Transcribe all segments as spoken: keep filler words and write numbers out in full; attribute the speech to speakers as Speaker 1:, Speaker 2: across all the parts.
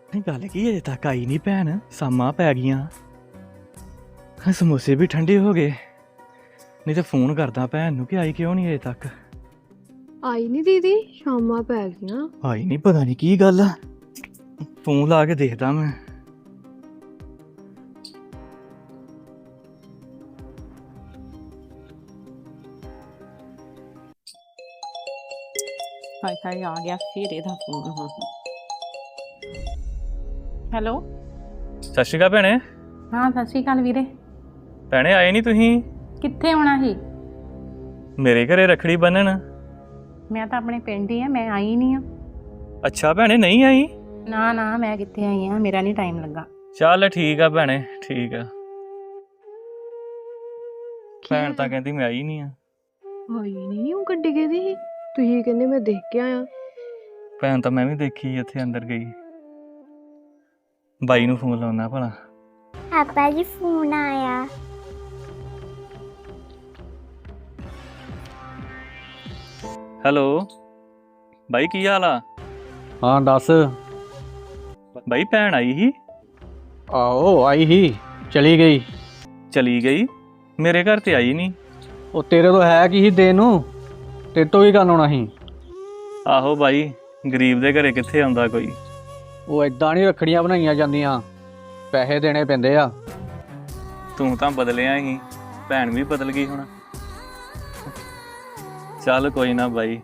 Speaker 1: नहीं गल की अजे तक आई नहीं भैन शामां पै गईयां समोसे भी ठंडे हो गए नहीं तो फोन करदा भैन नूं कि आई क्यों नहीं अजे तक
Speaker 2: आई नहीं दीदी शामां पै गईयां
Speaker 1: आई नहीं पता नहीं की गल आ फोन ला के देखदा मैं
Speaker 3: ਹਾਏ ਹਾਏ ਆ ਗਿਆ ਫਿਰ ਇਹਦਾ ਫੋਨ ਹੁਣ ਹੈਲੋ
Speaker 1: ਸਤਿ ਸ਼੍ਰੀ ਅਕਾਲ ਭੈਣੇ
Speaker 3: ਹਾਂ ਸਤਿ ਸ਼੍ਰੀ ਅਕਾਲ ਵੀਰੇ
Speaker 1: ਭੈਣੇ ਆਏ ਨਹੀਂ ਤੁਸੀਂ
Speaker 3: ਕਿੱਥੇ ਆਉਣਾ ਸੀ
Speaker 1: ਮੇਰੇ ਘਰੇ ਰੱਖੜੀ ਬੰਨਣ
Speaker 3: ਮੈਂ ਤਾਂ ਆਪਣੇ ਪਿੰਡ ਹੀ ਆ ਮੈਂ ਆਈ ਨਹੀਂ ਆ
Speaker 1: ਅੱਛਾ ਭੈਣੇ ਨਹੀਂ ਆਈ
Speaker 3: ਨਾ ਨਾ ਮੈਂ ਕਿੱਥੇ ਆਈ ਆ ਮੇਰਾ ਨਹੀਂ ਟਾਈਮ ਲੱਗਾ
Speaker 1: ਚੱਲ ਠੀਕ ਆ ਭੈਣੇ ਠੀਕ ਆ ਭੈਣ ਤਾਂ ਕਹਿੰਦੀ ਮੈਂ ਆਈ ਨਹੀਂ ਆ
Speaker 2: ਆਈ ਨਹੀਂ ਉਹ ਗੱਡੀ ਕਿਹਦੀ ਸੀ ਤੁਸੀਂ ਕਹਿੰਦੇ ਮੈਂ ਦੇਖ ਕੇ ਆਇਆ
Speaker 1: ਭੈਣ ਤਾਂ ਮੈਂ ਵੀ ਦੇਖੀ ਇੱਥੇ ਅੰਦਰ ਗਈ ਬਾਈ ਨੂੰ ਫੋਨ ਲਾਉਣਾ ਭਲਾ
Speaker 4: ਪਾਪਾ ਜੀ ਫੋਨ ਆਇਆ
Speaker 1: ਹੈਲੋ ਬਾਈ ਕੀ ਹਾਲ ਆ
Speaker 5: ਹਾਂ ਦੱਸ
Speaker 1: ਬਾਈ ਭੈਣ ਆਈ ਸੀ
Speaker 5: ਆਓ ਆਈ ਹੀ ਚਲੀ ਗਈ
Speaker 1: ਚਲੀ ਗਈ ਮੇਰੇ ਘਰ ਤੇ ਆਈ ਨਹੀਂ
Speaker 5: ਉਹ ਤੇਰੇ ਤੋਂ ਹੈ ਕੀ ਸੀ ਦੇਣ ਨੂੰ ਤੇਰੇ ਤੋਂ ਵੀ ਕਰਨ ਆਉਣਾ ਸੀ
Speaker 1: ਆਹੋ ਬਾਈ ਗਰੀਬ ਦੇ ਘਰੇ ਕਿੱਥੇ ਆਉਂਦਾ ਕੋਈ
Speaker 5: ਉਹ ਇਦਾਂ ਨਹੀਂ ਰੱਖੜੀਆਂ ਬਣਾਈਆਂ ਜਾਂਦੀਆਂ ਪੈਸੇ ਦੇਣੇ ਪੈਂਦੇ ਆ
Speaker 1: ਤੂੰ ਤਾਂ ਬਦਲਿਆ ਹੀ ਭੈਣ ਵੀ ਬਦਲ ਗਈ ਹੁਣ ਚੱਲ ਕੋਈ ਨਾ ਬਾਈ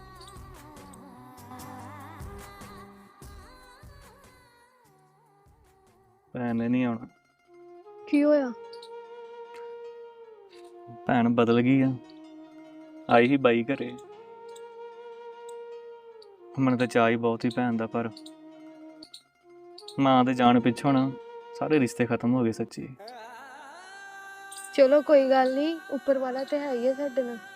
Speaker 1: ਭੈਣ ਨੇ ਨਹੀਂ ਆਉਣਾ
Speaker 2: ਕੀ ਹੋਇਆ
Speaker 1: ਭੈਣ ਬਦਲ ਗਈ ਆ ਆਈ ਹੀ ਬਾਈ ਘਰੇ ਮੈਨੂੰ ਤਾਂ ਚਾਅ ਹੀ ਬਹੁਤ ਹੀ ਭੈਣ ਦਾ ਪਰ ਮਾਂ ਦੇ ਜਾਣ ਪਿੱਛੋਂ ਨਾ ਸਾਰੇ ਰਿਸ਼ਤੇ ਖਤਮ ਹੋ ਗਏ ਸੱਚੀ
Speaker 2: ਚਲੋ ਕੋਈ ਗੱਲ ਨਹੀਂ ਉੱਪਰ ਵਾਲਾ ਤੇ ਹੈ ਹੀ ਹੈ ਸਾਡੇ ਨਾਲ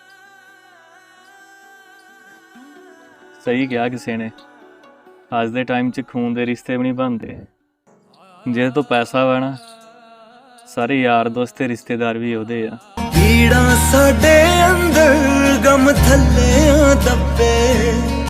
Speaker 1: ਸਹੀ ਕਿਹਾ ਕਿਸੇ ਨੇ ਅੱਜ ਦੇ ਟਾਈਮ 'ਚ ਖੂਨ ਦੇ ਰਿਸ਼ਤੇ ਵੀ ਨਹੀਂ ਬਣਦੇ ਜੇ ਤੋਂ ਪੈਸਾ ਵਾ ਨਾ ਸਾਰੇ ਯਾਰ ਦੋਸਤ ਤੇ ਰਿਸ਼ਤੇਦਾਰ ਵੀ ਉਹਦੇ ਆ
Speaker 6: ਪੀੜਾਂ ਸਾਡੇ ਅੰਦਰ ਗਮ ਥੱਲੇ ਦੱਬੇ